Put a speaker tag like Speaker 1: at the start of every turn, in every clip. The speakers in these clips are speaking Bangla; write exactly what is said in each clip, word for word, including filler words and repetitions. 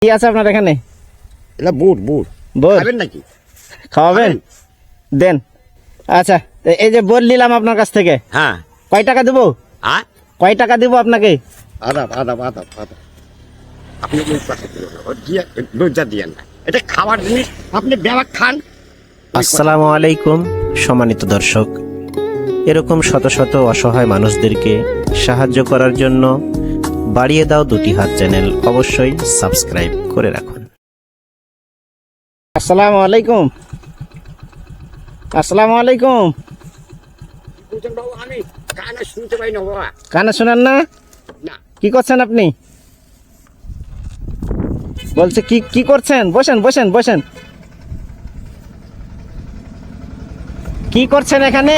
Speaker 1: কি আছে আপনার এখানে?
Speaker 2: এটা বুট বুট
Speaker 1: বুট
Speaker 2: খাবেন নাকি?
Speaker 1: খাওয়াবেন? দেন। আচ্ছা, এই যে বল নিলাম আপনার কাছ থেকে,
Speaker 2: হ্যাঁ।
Speaker 1: কয় টাকা দেবো?
Speaker 2: হ্যাঁ,
Speaker 1: কয় টাকা দেবো আপনাকে?
Speaker 2: আদাব আদাব আদাব আদাব। আপনি ওই পাশে দিবেন না, ওর দিয়ে লজ্জা দিয়েন না। এটা খাবার জিনিস, আপনি ব্যাগ খান।
Speaker 3: আসসালামু আলাইকুম সম্মানিত দর্শক, এরকম শত শত অসহায় মানুষদেরকে সাহায্য করার জন্য বাড়িয়ে দাও দুটি হাত চ্যানেল অবশ্যই সাবস্ক্রাইব করে রাখুন।
Speaker 1: আসসালামু আলাইকুম। আসসালামু আলাইকুম।
Speaker 2: বুঝছেন বাবু, আমি কানে শুনতে পাই না বাবা।
Speaker 1: কানে শোনেন না?
Speaker 2: না,
Speaker 1: কি করছেন আপনি? বলছে কি কি করছেন? বসেন বসেন বসেন। কি করছেন এখানে?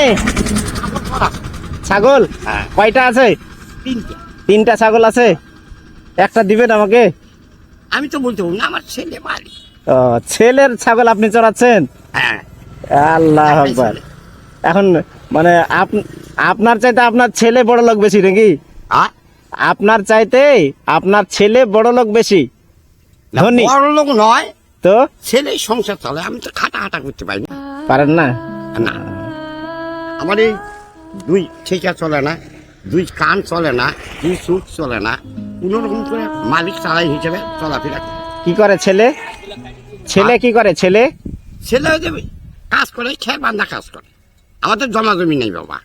Speaker 1: ছাগল
Speaker 2: হ্যাঁ।
Speaker 1: কয়টা আছে?
Speaker 2: তিনটে।
Speaker 1: তিনটা ছাগল আছে, একটা দিবেন আমাকে?
Speaker 2: আমি তো বলতে পারবো না, আমার ছেলে মারি।
Speaker 1: ও, ছেলের ছাগল আপনি চড়াচ্ছেন?
Speaker 2: হ্যাঁ,
Speaker 1: আল্লাহ আকবার। এখন মানে আপ- আপনার চাইতে আপনার ছেলে বড় লোক বেশি নাকি?
Speaker 2: হ্যাঁ?
Speaker 1: আপনার চাইতে আপনার ছেলে বড় লোক বেশি
Speaker 2: না,
Speaker 1: ধনী
Speaker 2: বড় লোক নয়,
Speaker 1: তো?
Speaker 2: ছেলেই সংসার চলে। আমি তো খাটা খাটা করতে পারি না।
Speaker 1: পারেন না?
Speaker 2: না, আমার এই দুই ঠিকা চলে না, দুই কান চলে না, দুই চোখ চলে না, কোন রকম করে মালিক চালাই হিসেবে চলাফেরা করি।
Speaker 1: কি করে ছেলে? ছেলে কি করে ছেলে?
Speaker 2: ছেলে হয়ে যাবে, কাজ করে, খেয়ে বান্ধা কাজ করে। আমাদের জমা জমি নেই বাবা।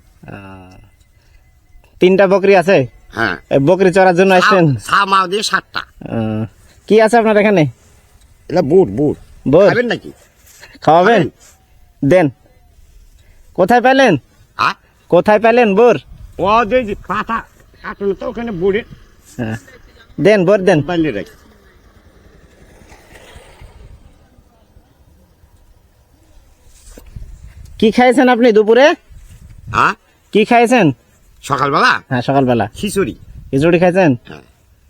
Speaker 1: তিনটা বকরি আছে?
Speaker 2: হ্যাঁ,
Speaker 1: এই বকরি চড়ার জন্য আসছেন?
Speaker 2: ছা মাও দিয়ে সাতটা।
Speaker 1: আহ, কি আছে আপনার এখানে?
Speaker 2: এটা বুট বুট
Speaker 1: বুট?
Speaker 2: খাবেন নাকি?
Speaker 1: খাওয়াবেন? দেন। কোথায় পেলেন?
Speaker 2: হ্যাঁ,
Speaker 1: কোথায় পেলেন বোর?
Speaker 2: ও যে যে পাতা কাটুন তো ওখানে বুড়ে
Speaker 1: হ্যাঁ, দেন বোর দেন।
Speaker 2: বানিয়ে রাখি।
Speaker 1: কি খাইছেন আপনি দুপুরে?
Speaker 2: হ্যাঁ,
Speaker 1: কি খাইছেন?
Speaker 2: সকালবেলা
Speaker 1: হ্যাঁ, সকালবেলা
Speaker 2: খিচুড়ি।
Speaker 1: খিচুড়ি খাইছেন?
Speaker 2: হ্যাঁ,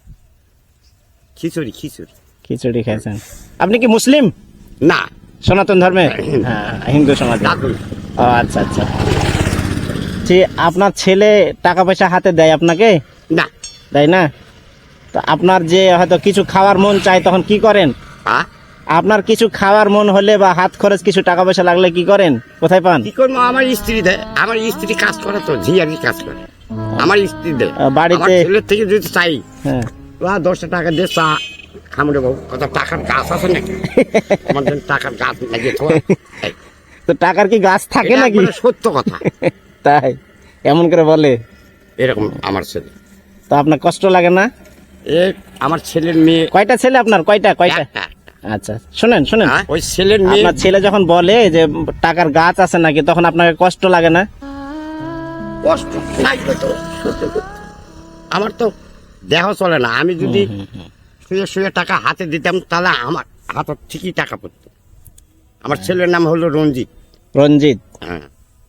Speaker 2: খিচুড়ি খিচুড়ি।
Speaker 1: খিচুড়ি খাইছেন। আপনি কি মুসলিম?
Speaker 2: না,
Speaker 1: সনাতন ধর্মে? হ্যাঁ, হিন্দু সমাজ।
Speaker 2: দাদু।
Speaker 1: ও আচ্ছা আচ্ছা। জি, আপনার ছেলে টাকা পয়সা হাতে দেয় আপনাকে?
Speaker 2: না।
Speaker 1: দেয় না? তো আপনার যে হয়তো কিছু খাওয়ার মন চায় তখন কি করেন?
Speaker 2: হ্যাঁ,
Speaker 1: আপনার কিছু খাওয়ার মন হলে বা হাত খরচ কিছু টাকা পয়সা লাগলে কি করেন? কোথায় পান?
Speaker 2: কি করবো, আমার স্ত্রী দেয়। আমার স্ত্রী কাজ করে তো, ঝিয়ারি কাজ করে। আমার স্ত্রী দেয়।
Speaker 1: আহ, বাড়িতে-
Speaker 2: আমার ছেলের থেকে যদি চাই,
Speaker 1: হ্যাঁ।
Speaker 2: ওরা দশটা টাকা দিয়ে চা খামড়ে বাবু, কত টাকার গাছ আছে নাকি? আমার জন্য টাকার গাছ লাগিয়ে থোয়া। এই,
Speaker 1: তো টাকার কি গাছ থাকে
Speaker 2: এটা
Speaker 1: নাকি?
Speaker 2: একবারে সত্য কথা।
Speaker 1: তাই এমন করে বলে?
Speaker 2: এরকম আমার ছেলে।
Speaker 1: তো আপনার কষ্ট লাগে না?
Speaker 2: এ আমার ছেলের মেয়ে
Speaker 1: কয়টা ছেলে আপনার? কয়টা কয়টা?
Speaker 2: একটা।
Speaker 1: আচ্ছা, শুনেন শুনেন,
Speaker 2: হ্যাঁ, ওই ছেলের মেয়ে
Speaker 1: আপনার ছেলে যখন বলে যে টাকার গাছ আছে নাকি, তখন আপনাকে কষ্ট লাগে না?
Speaker 2: কষ্ট লাগবে তো, সত্যি কথা। আমার তো দেহ চলে না। আমি যদি শুয়ে শুয়ে টাকা হাতে দিতাম তাহলে আমার হাতে ঠিকই টাকা পড়তো। আমার ছেলের নাম হলো রঞ্জিত।
Speaker 1: রঞ্জিত?
Speaker 2: হ্যাঁ,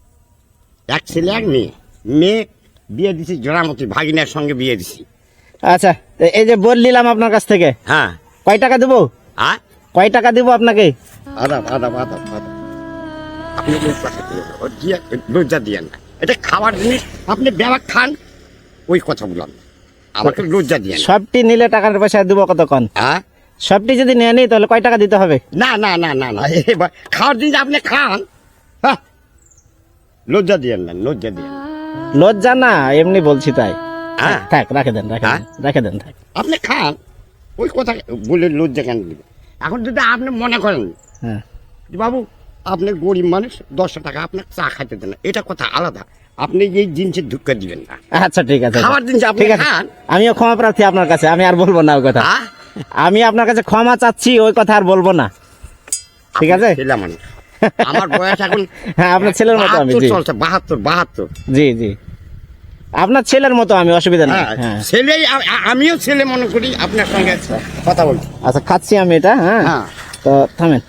Speaker 2: এক ছেলে এক মেয়ে। মেয়ে বিয়ে দিছি জোড়ামতি, ভাগিনার সঙ্গে বিয়ে দিছি।
Speaker 1: আচ্ছা, এই যে বল নিলাম আপনার কাছ থেকে,
Speaker 2: হ্যাঁ।
Speaker 1: কয় টাকা দেবো?
Speaker 2: হ্যাঁ,
Speaker 1: কয় টাকা দেবো আপনাকে?
Speaker 2: আদাব আদাব আদাব আদাব। আপনি ওই পাশে দিবেন না, ওর দিয়ে লজ্জা দিয়েন না। এটা খাবার জিনিস, আপনি ব্যাগ খান। ওই কথা বললাম, আমাকে লজ্জা দিয়ে না।
Speaker 1: সবটি নিলে টাকার পয়সা দেবো কতক্ষণ?
Speaker 2: হ্যাঁ,
Speaker 1: সবটি যদি নিয়ে নিই তাহলে কয় টাকা দিতে হবে?
Speaker 2: না না না না না, এবার খাওয়ার জিনিস আপনি খান। হ্যাঁ, লজ্জা দিয়েন না, লজ্জা দিয়েন না।
Speaker 1: লজ্জা না, এমনি বলছি তাই।
Speaker 2: হ্যাঁ,
Speaker 1: থাক, রাখে দেন রাখে
Speaker 2: হ্যাঁ?
Speaker 1: দেন রাখে দেন থাক।
Speaker 2: আপনি খান। ওই কথা বলে লজ্জা কেন দিবেন? এখন যদি আপনি মনে করেন
Speaker 1: হ্যাঁ,
Speaker 2: যে বাবু আপনি গরিব মানুষ, দশটা টাকা আপনার চা খাইতে দেন না, এটা কথা আলাদা। আপনি এই জিনিসের ঢুকা দিবেন না।
Speaker 1: আচ্ছা ঠিক আছে।
Speaker 2: খাবার জিনিস আপনি
Speaker 1: ঠিক আছে,
Speaker 2: খান।
Speaker 1: আমিও ক্ষমা প্রার্থী আপনার কাছে, আমি আর বলবো না ওই কথা।
Speaker 2: হ্যাঁ?
Speaker 1: আমি আপনার কাছে ক্ষমা চাচ্ছি, ওই কথা আর বলবো না। ঠিক আছে?
Speaker 2: ছেলে মানুষ, আমার বয়স এখন
Speaker 1: হ্যাঁ, আপনার ছেলের মতো আমি।
Speaker 2: বাহাত্তর
Speaker 1: জি
Speaker 2: চলছে, বাহাত্তর বাহাত্তর।
Speaker 1: জি জি, আপনার ছেলের মতো আমি, অসুবিধা নেই।
Speaker 2: হ্যাঁ,
Speaker 1: হ্যাঁ,
Speaker 2: ছেলেই আ- আ- আমিও ছেলে মনে করি আপনার সঙ্গে কথা বলছি।
Speaker 1: আচ্ছা খাচ্ছি আমি এটা। হ্যাঁ,
Speaker 2: হ্যাঁ,
Speaker 1: তো থামেন।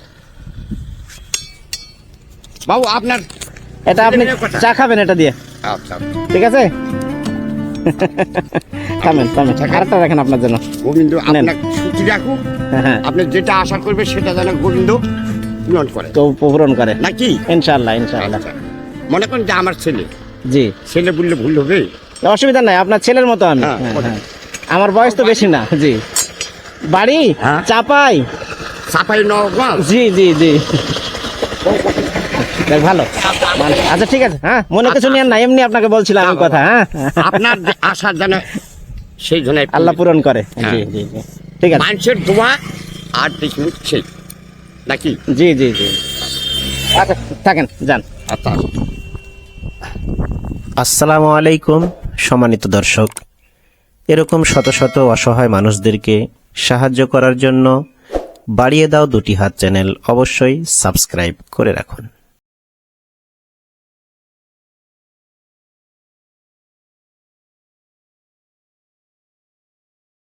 Speaker 2: বাবু আপনার
Speaker 1: এটা আপনি
Speaker 2: ছেলেমেয়ের কথা।
Speaker 1: চা খাবেন এটা দিয়ে?
Speaker 2: আচ্ছা,
Speaker 1: ঠিক আছে। থামেন থামেন, আরেকটা রাখেন আপনার জন্য।
Speaker 2: গোবিন্দ
Speaker 1: নেন।
Speaker 2: আপনার সুখী রাখুক।
Speaker 1: হ্যাঁ হ্যাঁ,
Speaker 2: আপনি যেটা আশা করবে সেটা যেন গোবিন্দ পূরণ করে,
Speaker 1: তো পূরণ করে
Speaker 2: নাকি?
Speaker 1: ইনশাআল্লাহ ইনশাআল্লাহ।
Speaker 2: আচ্ছা, মনে করেন যে আমার ছেলে,
Speaker 1: জি,
Speaker 2: ছেলে বললে ভুল হবে।
Speaker 1: অসুবিধা নাই, আপনার ছেলের মতো আমি।
Speaker 2: হ্যাঁ,
Speaker 1: হ্যাঁ,
Speaker 2: বলেন।
Speaker 1: হ্যাঁ। আমার বয়স তো বেশি না। জি, বাড়ি
Speaker 2: হ্যাঁ।
Speaker 1: চাপাই।
Speaker 2: চাপাই নবাবগঞ্জ।
Speaker 1: জি জি জি যাক, ভালো ভালো। আচ্ছা ঠিক আছে, হ্যাঁ মনে কিছু নিয়েন না, এমনি আপনাকে বলছিলাম আমি কথা। হ্যাঁ
Speaker 2: আপনার যে আশা যেন সেই জন্য
Speaker 1: আল্লাহ পূরণ করে।
Speaker 2: হ্যাঁ।
Speaker 1: জি জি জি ঠিক আছে।
Speaker 2: মানুষের দোয়া আর কিছু সেই নাকি।
Speaker 1: জি জি জি আচ্ছা থাকেন, যান।
Speaker 2: আচ্ছা
Speaker 3: আসসালামু আলাইকুম সম্মানিত দর্শক, এরকম শত শত অসহায় মানুষদেরকে সাহায্য করার জন্য বাড়িয়ে দাও দুটি হাত চ্যানেল অবশ্যই সাবস্ক্রাইব করে রাখুন।